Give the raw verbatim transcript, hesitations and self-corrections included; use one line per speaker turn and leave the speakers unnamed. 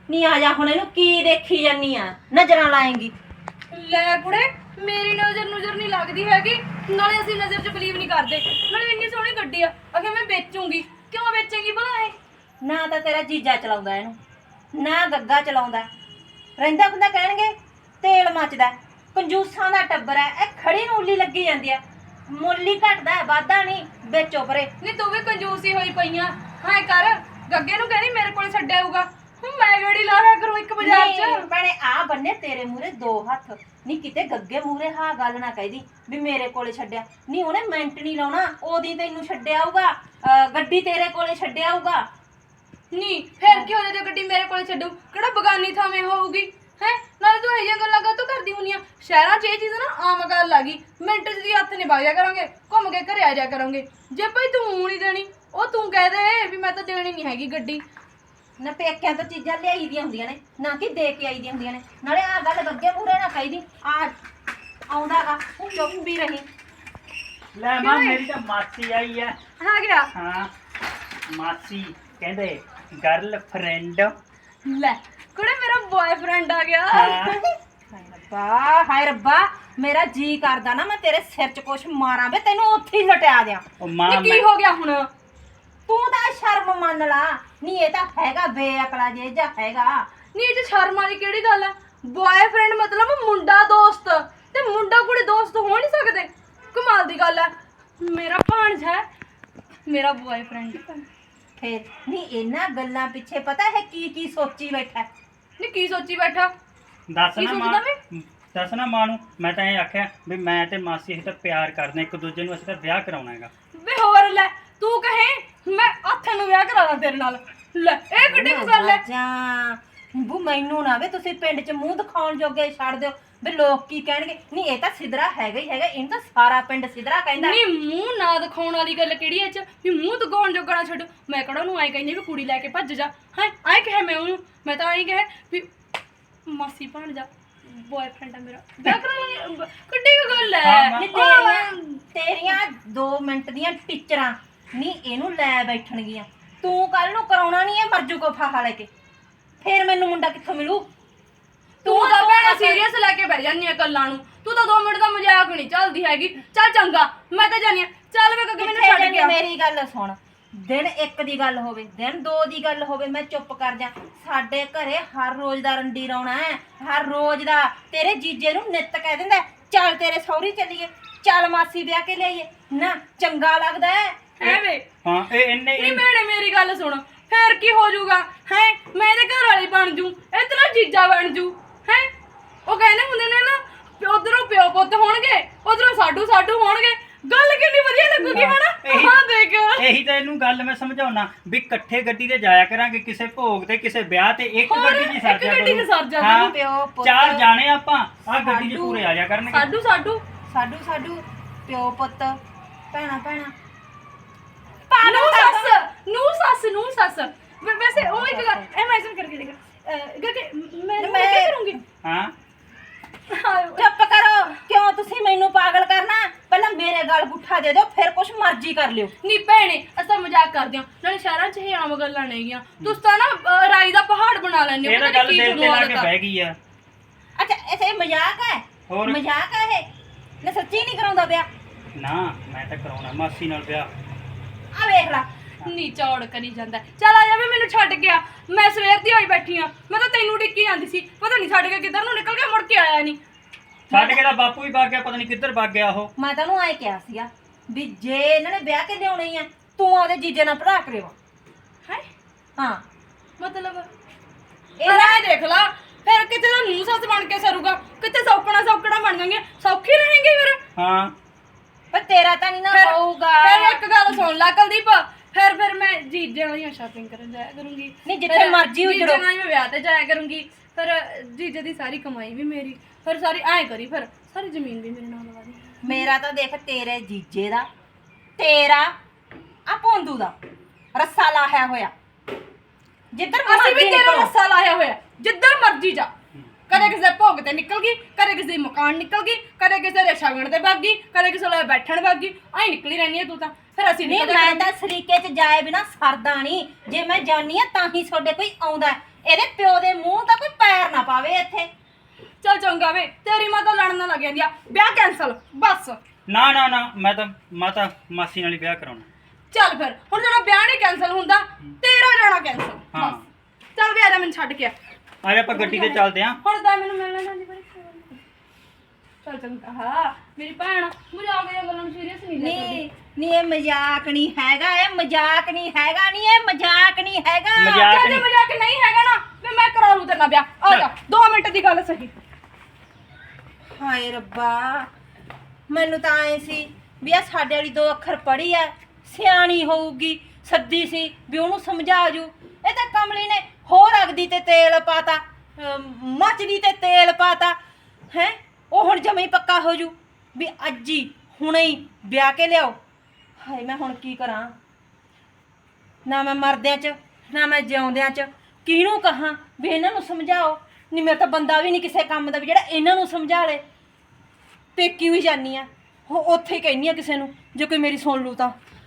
ਨੀ ਆ ਜਾ ਹੁਣ ਇਹਨੂੰ ਕੀ ਦੇਖੀ ਜਾਨੀ ਆ ਨਜ਼ਰਾਂ ਲਾਏਂਗੀ।
ਲੈ ਕੁੜੇ ਮੇਰੀ ਨਜ਼ਰ ਨਜ਼ਰ ਨਹੀਂ ਲੱਗਦੀ ਹੈਗੀ ਨਾਲੇ ਅਸੀਂ ਨਜ਼ਰ 'ਚ ਬਲੀਵ ਨਹੀਂ ਕਰਦੇ ਨਾਲੇ ਇੰਨੀ ਸੋਹਣੀ ਗੱਡੀ ਆ ਅਖੇ ਮੈਂ ਵੇਚੂੰਗੀ ਕਿਉਂ ਵੇਚੇਂਗੀ ਭਲਾ ਇਹ
ਨਾ ਤਾਂ ਤੇਰਾ ਜੀਜਾ ਚਲਾਉਂਦਾ ਇਹਨੂੰ ਨਾ ਗੱਗਾ ਚਲਾਉਂਦਾ ਰਹਿੰਦਾ ਹੁੰਦਾ ਕਹਿਣਗੇ ਤੇਲ ਮੱਚਦਾ ਕੰਜੂਸਾਂ ਦਾ ਟੱਬਰ ਹੈ ਇਹ ਖੜੀ ਨੂੰ ਉੱਲੀ ਲੱਗੀ ਜਾਂਦੀ ਆ ਮੁੱਲ ਹੀ ਘਟਦਾ ਵਾਧਾ ਨਹੀਂ ਵੇਚੋ ਪਰੇ।
ਨਹੀਂ ਤੂੰ ਵੀ ਕੰਜੂਸੀ ਹੋਈ ਪਈਆਂ ਹਾਂ ਕਰ ਗੱਗੇ ਨੂੰ ਕਹਿੰਦੀ ਮੇਰੇ ਕੋਲ ਛੱਡਿਆ ਹੋਊਗਾ ਹੁਣ ਮੈਂ ਗਾੜੀ ਲਾ ਰਿਆ ਕਰੂੰ ਇੱਕ ਬਾਜ਼ਾਰ 'ਚ
ਭੈਣੇ ਆ ਬੰਨੇ ਤੇਰੇ ਮੂਹਰੇ ਦੋ ਹੱਥ ਨਹੀਂ ਕਿਤੇ ਗੱਗੇ ਮੂਹਰੇ ਹਾਂ ਗੱਲ ਨਾ ਕਹਿਦੀ ਵੀ ਮੇਰੇ ਕੋਲੇ ਛੱਡਿਆ ਨਹੀਂ ਉਹਨੇ ਮਿੰਟ ਨਹੀਂ ਲਾਉਣਾ ਉਹਦੀ ਤੈਨੂੰ ਛੱਡਿਆ ਆਊਗਾ ਗੱਡੀ ਤੇਰੇ ਕੋਲੇ ਛੱਡਿਆ ਆਊਗਾ।
ਨਹੀਂ ਫਿਰ ਕੀ ਹੋ ਜੇ ਗੱਡੀ ਮੇਰੇ ਕੋਲ ਛੱਡੂ ਕਿਹੜਾ ਬਗਾਨੀ ਥਾਵੇਂ ਹੋਊਗੀ ਹੈ ਨਾਲੇ ਤੂੰ ਇਹ ਜਿਹੀਆਂ ਗੱਲਾਂ ਕਾਹਤੋਂ ਕਰਦੀ ਹੁੰਨੀ ਆ ਸ਼ਹਿਰਾਂ 'ਚ ਇਹ ਚੀਜ਼ ਨਾ ਆਮ ਗੱਲ ਆ ਗਈ ਮਿੰਟ 'ਚ ਦੀ ਹੱਥ ਨਹੀਂ ਵਗ ਜਾ ਕਰਾਂਗੇ ਘੁੰਮ ਕੇ ਘਰੇ ਆ ਜਾ ਕਰਾਂਗੇ ਜੇ ਭਾਈ ਤੂੰ ਨਹੀਂ ਦੇਣੀ ਉਹ ਤੂੰ ਕਹਿ ਦੇ ਵੀ ਮੈਂ ਤਾਂ ਦੇਣੀ ਨਹੀਂ ਹੈਗੀ ਗੱਡੀ
ਨਾ ਪੇਕਿਆਂ ਤੋਂ ਚੀਜ਼ਾਂ ਲਿਆਈ ਦੀਆਂ ਹੁੰਦੀਆਂ ਨੇ ਨਾ ਕਿ ਦੇ ਕੇ ਆਈ ਦੀਆਂ ਹੁੰਦੀਆਂ ਨੇ ਨਾਲੇ ਆ ਗੱਲ ਗੱਗੇ ਮੂਹਰੇ ਨਾ ਕਹੀਦੀ ਆ ਆਉਂਦਾਗਾ ਤੂੰ ਚੁੱਪ ਵੀ ਰਹੀ।
ਲੈ ਮਾਂ ਮੇਰੀ ਤਾਂ ਮਾਸੀ ਆਈ ਹੈ।
ਆ ਗਿਆ
ਹਾਂ ਮਾਸੀ ਕਹਿੰਦੇ ਗਰਲਫ੍ਰੈਂਡ
ਲੈ ਕੁੜੇ ਮੇਰਾ ਬॉयਫ੍ਰੈਂਡ ਆ ਗਿਆ
ਹਾਂ
ਹਾਏ ਰੱਬਾ ਹਾਏ ਰੱਬਾ ਮੇਰਾ ਜੀ ਕਰਦਾ ਨਾ ਮੈਂ ਤੇਰੇ ਸਿਰ 'ਚ ਕੁਛ ਮਾਰਾਂ ਵੇ ਤੈਨੂੰ ਉੱਥੇ ਹੀ ਲਟਿਆ ਦਿਆਂ।
ਉਹ ਮਾਂ
ਇਹ ਕੀ ਹੋ ਗਿਆ ਹੁਣ
ਤੂੰ ਤਾਂ ਸ਼ਰਮ ਮੰਨ ਲਾ ਨਹੀਂ ਇਹ ਤਾਂ ਹੈਗਾ ਬੇਅਕਲਾ ਜੇ ਜਾਂ ਹੈਗਾ
ਨਹੀਂ ਇਹ 'ਚ ਸ਼ਰਮ ਵਾਲੀ ਕਿਹੜੀ ਗੱਲ ਹੈ ਬॉयਫ੍ਰੈਂਡ ਮਤਲਬ ਮੁੰਡਾ ਦੋਸਤ ਤੇ ਮੁੰਡਾ ਕੁੜੀ ਦੋਸਤ ਹੋ ਨਹੀਂ ਸਕਦੇ ਕਮਾਲ ਦੀ ਗੱਲ ਹੈ ਮੇਰਾ ਭਾਣਜਾ ਹੈ ਮੇਰਾ ਬॉयਫ੍ਰੈਂਡ
ਫੇਰ ਨਹੀਂ ਇਹਨਾਂ ਗੱਲਾਂ ਪਿੱਛੇ ਪਤਾ ਹੈ ਕੀ ਕੀ ਸੋਚੀ ਬੈਠਾ
ਨਹੀਂ ਕੀ ਸੋਚੀ ਬੈਠਾ
ਦੱਸ
ਕੀ
ਨਾ
ਸੋਚਦਾ
ਮਾਂ ਦੱਸ ਨਾ ਮਾਂ ਨੂੰ ਮੈਂ ਤਾਂ ਇਹ ਆਖਿਆ ਵੀ ਮੈਂ ਤੇ ਮਾਸੀ ਅਸੀਂ ਤਾਂ ਪਿਆਰ ਕਰਦੇ ਇੱਕ ਦੂਜੇ ਨੂੰ ਅਸੀਂ ਤਾਂ ਵਿਆਹ ਕਰਾਉਣਾ ਹੈਗਾ।
ਵੇ ਹੋਰ ਲੈ ਤੂੰ ਕਹੇ ਮੈਂ ਹੱਥ ਨੂੰ ਵਿਆਹ ਕਰਾ ਦਾਂ ਤੇਰੇ ਨਾਲ ਲੈ ਇਹ ਕਿੱਡੀ ਕੁ ਗੱਲ ਹੈ
ਜਾਂ ਬੂ ਮੈਨੂੰ ਨਾ ਵੇ ਤੁਸੀਂ ਪਿੰਡ 'ਚ ਮੂੰਹ ਦਿਖਾਉਣ ਜੋਗੇ ਛੱਡ ਦਿਓ ਵੀ ਲੋਕ ਕੀ ਕਹਿਣਗੇ ਨਹੀਂ ਇਹ ਤਾਂ ਸਿਧਰਾ ਹੈਗਾ ਹੀ ਹੈਗਾ ਇਹਨੂੰ ਤਾਂ ਸਾਰਾ ਪਿੰਡ ਸਿਧਰਾ ਕਹਿੰਦਾ।
ਨਹੀਂ ਮੂੰਹ ਨਾ ਦਿਖਾਉਣ ਵਾਲੀ ਗੱਲ ਕਿਹੜੀ ਐ ਚ ਵੀ ਮੂੰਹ ਦਿਖਾਉਣ ਜੋਗਾ ਨਾ ਛੱਡ ਮੈਂ ਕਿਹੜਾ ਉਹਨੂੰ ਐਂ ਕਹਿੰਦੀ ਵੀ ਕੁੜੀ ਲੈ ਕੇ ਭੱਜ ਜਾ ਹਾਂ ਐਂ ਕਹੇ ਮੈਂ ਉਹਨੂੰ ਮੈਂ ਤਾਂ ਐਂ ਕਹੇ ਵੀ ਮਾਸੀ ਬਣ ਜਾ ਬॉयਫ੍ਰੈਂਡ ਆ ਮੇਰਾ ਵਿਆਹ ਕਰਾਂਗੇ ਕਿੱਡੀ ਕੁ ਗੱਲ ਐ
ਹਾਂ,
ਨਹੀਂ ਤੇਰੀਆਂ ਤੇਰੀਆਂ ਦੋ ਮਿੰਟ ਦੀਆਂ ਟੀਚਰਾਂ ਨਹੀਂ ਇਹਨੂੰ ਲੈ ਬੈਠਣਗੀਆਂ ਤੂੰ ਕੱਲ ਨੂੰ ਕਰਾਉਣਾ ਨਹੀਂ ਹੈ ਮਰਜੂ ਕੋ ਫਾਹਾ ਲੈ ਕੇ ਫੇਰ ਮੈਨੂੰ ਮੁੰਡਾ ਕਿੱਥੋਂ ਮਿਲੂ।
ਤੂੰ ਤਾਂ ਭੈਣਾ ਸੀਰੀਅਸ ਲੈ ਕੇ ਬਹਿ ਜਾਂਦੀ ਆ ਗੱਲਾਂ ਨੂੰ ਤੂੰ ਤਾਂ ਦੋ ਮਿੰਟ ਦਾ ਮਜ਼ਾਕ ਨਹੀਂ ਚੱਲਦੀ ਹੈਗੀ ਚੱਲ ਚੰਗਾ ਮੈਂ ਤਾਂ ਜਾਨੀ ਆ ਚੱਲ ਵੇ ਕਿ ਮੈਨੂੰ ਛੱਡ ਗਿਆ
ਮੇਰੀ ਗੱਲ ਸੁਣ ਦਿਨ ਇੱਕ ਦੀ ਗੱਲ ਹੋਵੇ ਦਿਨ ਦੋ ਦੀ ਗੱਲ ਹੋਵੇ ਮੈਂ ਚੁੱਪ ਕਰ ਜਾ ਸਾਡੇ ਘਰੇ ਹਰ ਰੋਜ਼ ਦਾ ਰੰਡੀ ਰੌਣਾ ਹੈ ਹਰ ਰੋਜ਼ ਦਾ ਤੇਰੇ ਜੀਜੇ ਨੂੰ ਨਿੱਤ ਕਹਿ ਦਿੰਦਾ ਚੱਲ ਤੇਰੇ ਸਹੁਰੀ ਚੱਲੀਏ ਚੱਲ ਮਾਸੀ ਵਿਆਹ ਕੇ ਲਿਆਈਏ ਨਾ ਚੰਗਾ ਲੱਗਦਾ ਹੈ
ਹੈ ਵੇ
ਹਾਂ ਇਹ ਇੰਨੇ
ਨਹੀਂ ਮੈਨੇ ਮੇਰੀ ਗੱਲ ਸੁਣ ਫੇਰ ਕੀ ਹੋ ਜਾਊਗਾ ਹੈ ਮੈਂ ਇਹਦੇ ਘਰ ਵਾਲੀ ਬਣ ਜੂ ਇਹ ਤੇਰਾ ਜੀਜਾ ਬਣ ਜੂ ਹੈ ਉਹ ਕਹਿੰਦੇ ਹੁੰਦੇ ਨੇ ਨਾ ਉਧਰੋਂ ਪਿਓ ਪੁੱਤ ਹੋਣਗੇ ਉਧਰੋਂ ਸਾਡੂ ਸਾਡੂ ਹੋਣਗੇ ਗੱਲ ਕਿੰਨੀ ਵਧੀਆ ਲੱਗੂਗੀ ਹਨਾ ਹਾਂ ਦੇਖ
ਇਹੀ ਤਾਂ ਇਹਨੂੰ ਗੱਲ ਮੈਂ ਸਮਝਾਉਣਾ ਵੀ ਇਕੱਠੇ ਗੱਡੀ ਤੇ ਜਾਇਆ ਕਰਾਂਗੇ ਕਿਸੇ ਭੋਗ ਤੇ ਕਿਸੇ ਵਿਆਹ ਤੇ ਇੱਕ
ਹੋਰ,
ਗੱਡੀ 'ਚ
ਇੱਕ
ਸਰ ਜਾ
ਗੱਡੀ 'ਚ
ਕਰੂ।
ਸਰ ਜਾ
ਹਾਂ,
ਕਰੂ,
ਪਿਓ ਪੁੱਤ
ਚਾਰ ਜਾਣੇ ਆਪਾਂ ਆਹ ਗੱਡੀ 'ਚ
ਸਾਡੂ।
ਪੂਰੇ ਆ ਜਾ ਕਰਨਗੇ।
ਸਾਡੂ ਸਾਡੂ
ਸਾਡੂ ਸਾਡੂ ਪਿਓ ਪੁੱਤ ਭੈਣਾ ਭੈਣਾ
ਨੂੰ ਸੱਸ ਨੂੰ ਸੱਸ ਨੂੰ ਸੱਸ ਵੈ- ਵੈਸੇ ਉਹ ਇੱਕ ਗੱਲ ਇਮੇਜਿਨ ਕਰਕੇ ਦੇਖ ਕਿ ਮੈਂ ਮੈਂ ਕੀ ਕਰੂੰਗੀ
ਹਾਂ
ਚੁੱਪ ਕਰੋ ਕਿਉਂ ਤੁਸੀਂ ਮੈਨੂੰ ਪਾਗਲ ਕਰਨਾ ਪਹਿਲਾਂ ਮੇਰੇ ਗਲ ਗੁੱਠਾ ਦੇ ਦਿਓ ਫਿਰ ਕੁਛ ਮਰਜ਼ੀ ਕਰ ਲਿਓ।
ਨਹੀਂ ਭੈਣੇ ਅਸਾਂ ਮਜ਼ਾਕ ਕਰਦੇ ਹਾਂ ਨਾਲੇ ਸ਼ਹਿਰਾਂ 'ਚ ਇਹ ਆਮ ਗੱਲਾਂ ਨੇਗੀਆਂ ਤੁਸੀਂ ਤਾਂ ਨਾ ਅਹ, ਰਾਈ ਦਾ ਪਹਾੜ ਬਣਾ ਲੈਂਦੇ ਹੋ
ਇਹ ਤਾਂ
ਪਤਾ
ਗੱਲ
ਨੀ ਕੀ
ਦਿਲ ਤੇ
ਤੁਹਾਨੂੰ
ਲਾ ਕੇ
ਆਦਤ ਆ।
ਬਹਿ ਗਈ ਆ।
ਅੱਛਾ ਇਹ ਮਜ਼ਾਕ ਹੈ
ਹੋਰ
ਮਜ਼ਾਕ ਹੈ ਇਹ ਨਾ ਸੱਚੀ ਨਹੀਂ ਕਰਾਉਂਦਾ ਵਿਆਹ
ਨਾ ਮੈਂ ਤਾਂ ਕਰਾਉਣਾ ਮਾਸੀ ਨਾਲ ਵਿਆਹ।
ਆ ਵੇਖ ਲੈ
ਨੀ ਚੌੜ ਕਰੀ ਜਾਂਦਾ ਚੱਲ ਆ ਜਾ ਵੀ ਮੈਨੂੰ ਛੱਡ ਗਿਆ ਮੈਂ ਸਵੇਰ ਦੀ ਹੋਈ ਬੈਠੀ ਆ ਮੈਂ ਤਾਂ ਤੈਨੂੰ ਡਿੱਕੀ ਜਾਂਦੀ ਸੀ ਪਤਾ ਨਹੀਂ ਛੱਡ ਕੇ ਕਿੱਧਰ ਨੂੰ ਨਿਕਲ ਗਿਆ ਮੁੜ ਕੇ ਆਇਆ ਨਹੀਂ
ਛੱਡ ਕੇ ਤਾਂ ਬਾਪੂ ਵੀ ਵਗ ਗਿਆ ਪਤਾ ਨਹੀਂ ਕਿੱਧਰ ਵਗ ਗਿਆ ਉਹ।
ਮੈਂ ਤੈਨੂੰ ਐ ਕਿਹਾ ਸੀਗਾ ਵੀ ਜੇ ਇਹਨਾਂ ਨੇ ਵਿਆਹ ਕੇ ਲਿਆਉਣੀ ਆ ਤੂੰ ਉਹਦੇ ਜੀਜੇ ਨਾਲ ਭਰਾ ਕਰਿਓ
ਹੈ
ਹਾਂ
ਮਤਲਬ
ਇਹ
ਇਹ ਰਾਹ ਦੇਖ ਲਾ ਫਿਰ ਕਿਤੇ ਦਾ ਨੂੰ ਸੱਸ ਬਣ ਕੇ ਸਰੂਗਾ ਕਿਤੇ ਸੌਕਣਾ ਸੌਕਣਾ ਬਣ ਜਾਣਗੇ ਸੌਖੀ ਰਹੇਂਗੇ ਫਿਰ
ਹਾਂ
ਪਰ ਤੇਰਾ ਤਾਂ ਨਹੀਂ ਨਾ
ਫਿਰ-
ਹੋਊਗਾ
ਫਿਰ ਇੱਕ ਗੱਲ ਸੁਣ ਲੈ ਕੁਲਦੀਪ ਫਿਰ ਫਿਰ ਮੈਂ ਜੀਜੇ ਵਾਲੀਆਂ ਸ਼ਾਪਿੰਗ ਕਰਨ ਜਾਇਆ ਕਰੂੰਗੀ
ਨਹੀਂ ਜਿੱਥੇ
ਫਿਰ
ਮਰਜ਼ੀ ਉਜੜੋ।
ਜੀਜੇ ਨਾਲ ਹੀ ਮੈਂ ਵਿਆਹ ਤੇ ਜਾਇਆ ਕਰੂੰਗੀ ਫਿਰ ਜੀਜੇ ਦੀ ਸਾਰੀ ਕਮਾਈ ਵੀ ਮੇਰੀ ਫਿਰ ਸਾਰੀ ਐਂ ਕਰੀ ਫਿਰ ਸਾਰੀ ਜ਼ਮੀਨ ਵੀ ਮੇਰੇ ਨਾਲ ਲਵਾ ਦੀ
ਮੇਰਾ ਤਾਂ ਦੇਖ ਤੇਰੇ ਜੀਜੇ ਦਾ ਤੇਰਾ ਆ ਭੋਂਦੂ ਦਾ ਰੱਸਾ ਲਾਹਿਆ ਹੋਇਆ ਜਿੱਧਰ
ਅਸੀਂ ਵੀ
ਮਰਜ਼ੀ
ਤੇਰਾ
ਨਿਕਲੋ।
ਰੱਸਾ ਲਾਇਆ ਹੋਇਆ ਜਿੱਧਰ ਮਰਜ਼ੀ ਜਾ ਕਦੇ ਕਿਸੇ ਦੇ ਭੋਗ ਤੇ ਨਿਕਲ ਗਈ ਕਦੇ ਕਿਸੇ ਦੀ ਮਕਾਨ ਨਿਕਲ ਗਈ ਕਦੇ ਕਿਸੇ ਦੇ ਸ਼ਗਨ ਤੇ ਵਗ ਗਈ ਕਦੇ ਕਿਸੇ ਲਈ ਬੈਠਣ ਵਗ ਗਈ ਐਂ ਨਿਕਲੀ ਰਹਿੰਦੀ ਹੈ ਤੂੰ ਤਾਂ ਫਿਰ ਅਸੀਂ
ਨਹੀਂ
ਨਿਕਲ
ਮੈਂ ਤਾਂ ਸਰੀਕੇ 'ਚ ਜਾਏ ਬਿਨਾ ਸਰਦਾ ਨਹੀਂ ਜੇ ਮੈਂ ਜਾਨੀ ਆ ਤਾਂ ਹੀ ਤੁਹਾਡੇ ਕੋਈ ਆਉਂਦਾ ਇਹਦੇ ਪਿਓ ਦੇ ਮੂੰਹ ਤਾਂ ਕੋਈ ਪੈਰ ਨਾ ਪਾਵੇ ਇੱਥੇ।
ਚੱਲ ਚੰਗਾ ਵੇ, ਤੇਰੀ ਮਾਂ ਤਾਂ ਲੜਨ ਲੱਗ ਜਾਂਦੀ ਆ, ਵਿਆਹ ਕੈਂਸਲ ਬਸ।
ਨਾ ਨਾ ਨਾ ਮੈਂ ਤਾਂ ਮਾਤਾ ਮਾਸੀ ਨਾਲ ਹੀ ਵਿਆਹ ਕਰਾਉਣਾ।
ਚੱਲ ਫਿਰ ਹੁਣ ਜਿਹੜਾ ਵਿਆਹ ਨਹੀਂ ਕੈਂਸਲ ਹੁੰਦਾ, ਤੇਰਾ ਜਾਣਾ ਕੈਂਸਲ
ਹਾਂ।
ਬਸ। ਚੱਲ ਵੀ ਆ ਜਾ, ਮੈਨੂੰ ਛੱਡ ਕੇ ਆ।
ਆ ਜਾ ਆਪਾਂ ਗੱਡੀ ਤੇ ਚੱਲਦੇ ਆਂ।
ਹੁਣ ਤਾਂ ਮੈਨੂੰ ਮਿਲਣਾ ਜਾਂਦੀ ਬੜੀ ਚੱਲ ਚੰਗਾ। ਹਾਂ ਮੇਰੀ ਭੈਣ ਮਜ਼ਾਕ ਦੀਆਂ ਗੱਲਾਂ ਨੂੰ ਸੀਰੀਅਸ ਨਹੀਂ ਲੈ
ਨਹੀਂ ਨਹੀਂ ਇਹ ਮਜ਼ਾਕ ਨਹੀਂ ਹੈਗਾ, ਇਹ ਮਜ਼ਾਕ ਨਹੀਂ ਹੈਗਾ, ਨਹੀਂ ਇਹ ਮਜ਼ਾਕ ਨਹੀਂ ਹੈਗਾ।
ਮਜ਼ਾਕ
ਚੱਲ ਜੇ
ਨਹੀਂ।
ਮਜ਼ਾਕ ਨਹੀਂ ਹੈਗਾ ਨਾ ਵੀ ਮੈਂ ਕਰਾ ਲੂ ਤੇਰੇ ਨਾਲ ਵਿਆਹ। ਆ ਜਾ, ਦੋ ਮਿੰਟ ਦੀ ਗੱਲ ਸਹੀ।
ਹਾਏ ਰੱਬਾ, ਮੈਨੂੰ ਤਾਂ ਐ ਸੀ ਵੀ ਆ ਸਾਡੇ ਵਾਲੀ ਦੋ ਅੱਖਰ ਪੜ੍ਹੀ ਐ, ਸਿਆਣੀ ਹੋਊਗੀ, ਸੱਦੀ ਸੀ ਵੀ ਉਹਨੂੰ ਸਮਝਾ ਜੂ। ਇਹ ਤਾਂ ਕਮਲੀ ਨੇ ਹੋਰ ਅਗਦੀ ਤੇ ਤੇਲ ਪਾਤਾ, ਅਮ, ਮੱਚਦੀ ਤੇ ਤੇਲ ਪਾਤਾ ਹੈ। ਉਹ ਹੁਣ ਜਮੇ ਹੀ ਪੱਕਾ ਹੋ ਜੂ ਵੀ ਅੱਜ ਹੀ ਹੁਣੇ ਹੀ ਵਿਆਹ ਕੇ ਲਿਆਓ। ਹਾਏ ਮੈਂ ਹੁਣ ਕੀ ਕਰਾਂ, ਨਾ ਮੈਂ ਮਰਦਿਆਂ 'ਚ ਨਾ ਮੈਂ ਜਿਉਂਦਿਆਂ 'ਚ ਕਿਹਨੂੰ ਕਹਾਂ ਵੀ ਇਹਨਾਂ ਨੂੰ ਸਮਝਾਓ। ਨਹੀਂ ਮੇਰਾ ਤਾਂ ਬੰਦਾ ਵੀ ਨਹੀਂ ਕਿਸੇ ਕੰਮ ਦਾ ਵੀ ਜਿਹੜਾ ਇਹਨਾਂ ਨੂੰ ਸਮਝਾ ਲੇ। ਪੇਕੀ ਵੀ ਜਾਨੀ ਆ, ਉਹ ਉੱਥੇ ਹੀ ਕਹਿੰਦੀ ਆ ਕਿਸੇ ਨੂੰ, ਜੇ ਕੋਈ ਮੇਰੀ ਸੁਣ ਲੂ ਤਾਂ।